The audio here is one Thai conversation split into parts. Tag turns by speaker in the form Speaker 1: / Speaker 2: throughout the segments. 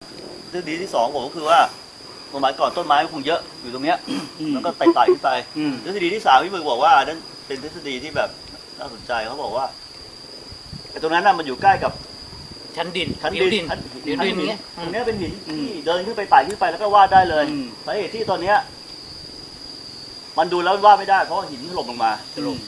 Speaker 1: ทฤษฎีที่สองผมก็คือว่าสมัยก่อนต้นไม้มันคงเยอะอยู่ตรงเนี้ยแล้วก็ไต่ขึ้นไปทฤษฎีที่สามพี่มึงบอกว่านั่นเป็นทฤษฎีที่แบบน่าสนใจเขาบอกว่าไอ้ตรงนั้นน่ะมันอยู่ใกล้กับ
Speaker 2: ชั้นดิน
Speaker 1: ชั้น
Speaker 2: ผิว
Speaker 1: ดิ
Speaker 2: ดิ
Speaker 1: น
Speaker 2: น
Speaker 1: ชั้น
Speaker 2: ผิวดิน
Speaker 1: หิน
Speaker 2: เงี้ย
Speaker 1: ตรงเนี้ยเป็นหินที่เดินขึ้นไปไต่ขึ้นไปแล้วก็วาดได้เลยสาเหตุที่ตอนเนี้ยมันดูแล้ววาดไม่ได้เพราะว่าหินถล่มลงมาถล่ม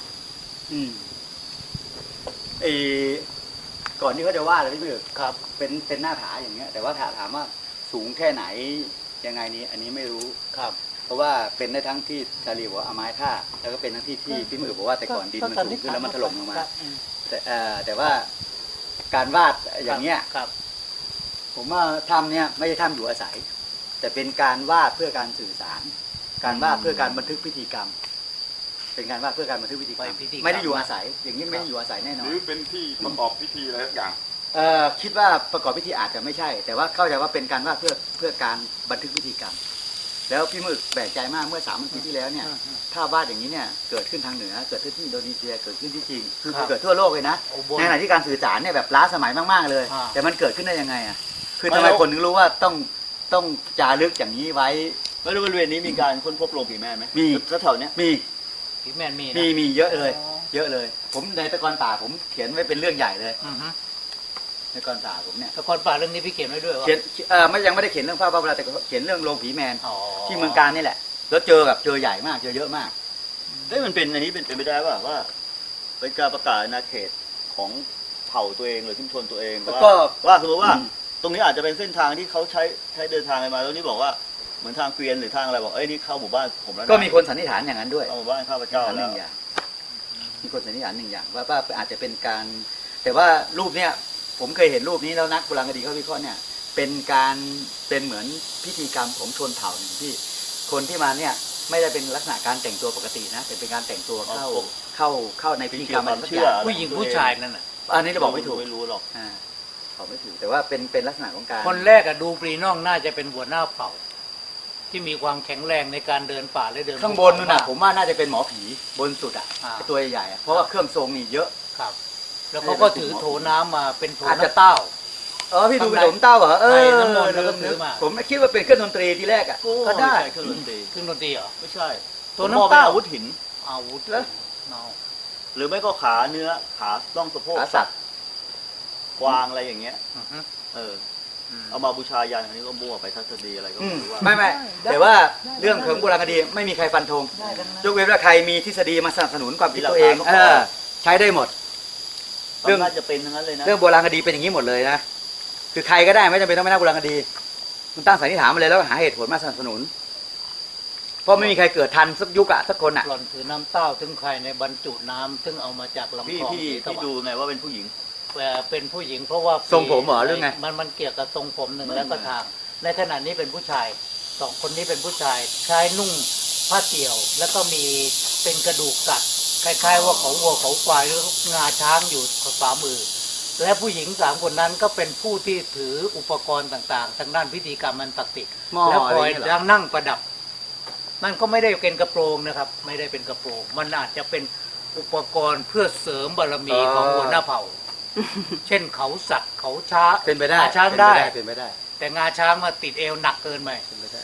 Speaker 3: ก่อนที่เขาจะวาดอะไรพี่เบิก
Speaker 2: ครับ
Speaker 3: เป็นหน้าผาอย่างเงี้ยแต่ว่าถามว่าสูงแค่ไหนยังไงนี้อันนี้ไม่รู้
Speaker 2: ครับ
Speaker 3: เพราะว่าเป็นได้ทั้งที่ชาลีบอกว่าเอาไม้ท่าแล้วก็เป็นทั้งที่พี่มือบอกว่าแต่ก่อนดินมันสูงขึ้นแล้วมันถล่มลงมาแต่ว่าการวาดอย่างเงี้ย
Speaker 2: ครับ
Speaker 3: ผมว่าทำเนี่ยไม่ใช่ทำอยู่อาศัย แต่เป็นการวาดเพื่อการสื่อสาร การวาดเพื่อการบันทึกพิธีกรรม เป็นการวาดเพื่อการบันทึกพิธีกรรมไม่ได้อยู่อาศัย อย่างนี้ไม่ได้อยู่อาศัยแน่นอ
Speaker 4: ห
Speaker 3: น
Speaker 4: รือเป็นที่ประกอบพิธีอะไรสักอย่าง
Speaker 3: คิดว่าประกอบพิธีอาจจะไม่ใช่ แต่ว่าเข้าใจว่าเป็นการวาดเพื่อการบันทึกพิธีกรรม แล้วพี่มึกแปลกใจมากเมื่อ3 ปีที่แล้วเนี่ยถ้าวาดอย่างนี้เนี่ยเกิดขึ้นทางเหนือเกิดขึ้นที่อินโดนีเซียเกิดขึ้นที่จีนคือเกิดทั่วโลกเลยนะในขณะที่การสื่อสารเนี่ยแบบล้าสมัยมากๆเลย แต่มันเกิดขึ้นได้ยังไงอ่ะคือทำไมคนถึงรู้ว่าต้องจารึกอย่างนี้ไว้
Speaker 1: แล้วบริเวณนี้มีการค้นพบโรงผีแม่ไหม
Speaker 3: มี
Speaker 1: แถวๆเนี้ย
Speaker 3: มี
Speaker 2: ผีแมนมีนะ
Speaker 3: มีเยอะเลย เยอะเลย ผมในตะกอนป่าผมเขียนไว้เป็นเรื่องใหญ่เลย
Speaker 2: อือฮึ
Speaker 3: ในตะกอนป่าผมเนี่ย
Speaker 2: ตะกอนป่าเรื่องนี้พี่เขียนไว้ด้วยวะ
Speaker 3: เขียนไม่ยังไม่ได้เขียนเรื่องภาพวาดแต่เขียนเรื่องโรงผีแมน
Speaker 2: อ๋อ
Speaker 3: ที่เมืองการนี่แหละแล้วเจอใหญ่มากเจอเยอะมาก
Speaker 1: เอ้ยมันเป็นอันนี้เป็นไปได้ป่ะว่าเป็นการประกาศอาณาเขตของเผ่าตัวเองหรือชุมชนตัวเอง
Speaker 3: แล้วก็
Speaker 1: ว่าสมมติว่าตรงนี้อาจจะเป็นเส้นทางที่เขาใช้เดินทางกันมาแล้วนี่บอกว่าเหมือนทางเกวียนหรือทางอะไรบอกเอ้ยนี่เข้าหมู่บ้านผมแล้วะ
Speaker 3: ก็มีคนสันนิษฐานอย่างนั้นด้วย
Speaker 1: เข้าหมู่บ้านข้าพเจ้า
Speaker 3: ห
Speaker 1: แล้
Speaker 3: นึ่
Speaker 1: ว
Speaker 3: งอย่างมีคนสันนิษฐานหนึ่งอย่างว่าอาจจะเป็นการ แต่ว่ารูปเนี้ยผมเคยเห็นรูปนี้แล้วนักโบราณคดีเขาวิเคราะห์เนี่ยเป็นเหมือนพิธีกรรมของชนเผ่าหนึ่งที่คนที่มาเนี่ยไม่ได้เป็นลักษณะการแต่งตัวปกตินะแต่เป็นการแต่งตัวเข้าในพิธีกรรมอะไรสักอย่าง
Speaker 2: ผู้หญิงผู้ชายนั่นน่ะ
Speaker 3: อันนี้เราบอกไม่ถูก
Speaker 1: ไม่รู้หรอก
Speaker 3: บอกไม่ถูกแต่ว่าเป็นลักษณะของการ
Speaker 2: คนแรกอะดูปรีน่องน่าจะเป็นหัวหน้าเผ่า ที่มีความแข็งแรงในการเดินป่าและเดิน
Speaker 3: ข้างบนนู่นน่ะผมว่าน่าจะเป็นหมอผีบนสุดอ่ะตัวใหญ่ๆเพราะว่าเครื่องทรงนี่เยอะ
Speaker 2: ครับ แล้วเขาก็ถือโถน้ำมาเป็นโถ
Speaker 3: อาจจะ
Speaker 2: น้ำเต้า
Speaker 3: พี่ดูเป็นขนมเต้าเหรอ
Speaker 2: ใช่น้ำมนต์แล้วก็ถือมา
Speaker 3: ผมไม่คิดว่าเป็นเครื่องดนตรีทีแรกอ่ะก็ได้
Speaker 1: ไม่ใช่เครื่องดนตรี
Speaker 2: เครื่องดนตรีเหรอ
Speaker 1: ไม่ใช่
Speaker 2: โถน้ำเต้า
Speaker 1: ผมมองป็อาวุธหิน
Speaker 2: อาวุธ
Speaker 3: แล้ว
Speaker 2: เนา
Speaker 1: หรือไม่ก็ขาเนื้อขาล่องสะโพก
Speaker 3: ขาสัตว์
Speaker 1: กวางอะไรอย่างเงี้ย
Speaker 2: อือฮึ
Speaker 1: เอามาบูชายันอันนี้ก็มั่วไปทัศนีอะไรก็ไม่รู้ว่า
Speaker 3: ไม่แต่ว่าเรื่องของโบราณคดีไม่มีใครฟันธงยกเว้นว่าใครมีทฤษฎีมาสนับสนุนความคิดตัวเองใช้ได้หมด
Speaker 1: เรื่องน่าจะเป็นทั้งนั้นเลยนะ
Speaker 3: เรื่องโบราณคดีเป็นอย่างนี้หมดเลยนะคือใครก็ได้ไม่จำเป็นต้องเป็นนักโบราณคดีคุณตั้งสันนิษฐานมาเลยแล้วหาเหตุผลมาสนับสนุน เพราะไม่มีใครเกิดทันสักยุคอะสักคนอะ
Speaker 2: หล่อนถือน้ำเต้าถึงใครในบรรจุน้ำซึ่งเอามาจากลำ
Speaker 1: พี่
Speaker 2: คลอง
Speaker 1: พี่
Speaker 2: ศรีตะ
Speaker 1: พี่
Speaker 2: วัน
Speaker 1: ดูไงว่าเป็นผู้หญิง
Speaker 2: เป็นผู้หญิงเพราะว่า
Speaker 3: ทรงผมเหรอหรือไง
Speaker 2: มันเกี่ยวกับทรงผมหนึ่งแล้วก็ทาง ในขณะนี้เป็นผู้ชายสองคนนี้เป็นผู้ชายชายนุ่งผ้าเตี่ยว แล้วก็มีเป็นกระดูกสัตว์คล้ายๆว่าเขาวัวเขาควายหรืองาช้างอยู่ฝ่ามือ และผู้หญิง3 คนนั้นก็เป็นผู้ที่ถืออุปกรณ์ต่างๆทางด้านพิธีกรรมมันศักดิ์สิทธิ์
Speaker 3: หม้อ
Speaker 2: แล้วคอย
Speaker 3: อะไรอย่างเงี้ยเหรอ
Speaker 2: นั่งประดับ นั่นก็ไม่ได้เป็นกระโปรงนะครับ ไม่ได้เป็นกระโปรง มันอาจจะเป็นอุปกรณ์เพื่อเสริมบารมีของหัวหน้าเผ่า เช่นเขาสัตว์เขาช้า
Speaker 3: เป็นไปได้
Speaker 2: งาช้างได้
Speaker 3: เป็นไปได้
Speaker 2: แต่งาช้างมาติดเอวหนักเกินไป
Speaker 3: เป็นไปได้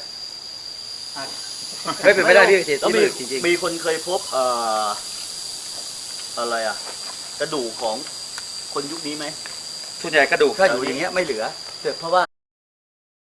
Speaker 3: ไม่เป็นไปได้พี่
Speaker 1: แล้วมี
Speaker 3: จริง
Speaker 1: มีคนเคยพบอะไรอ่ะ กระดูกของคนยุคนี้ไหม
Speaker 3: ๆส่วนใหญ่กระดูกถ้าอยู่อย่างเงี้ยไม่เหลือเพราะว่า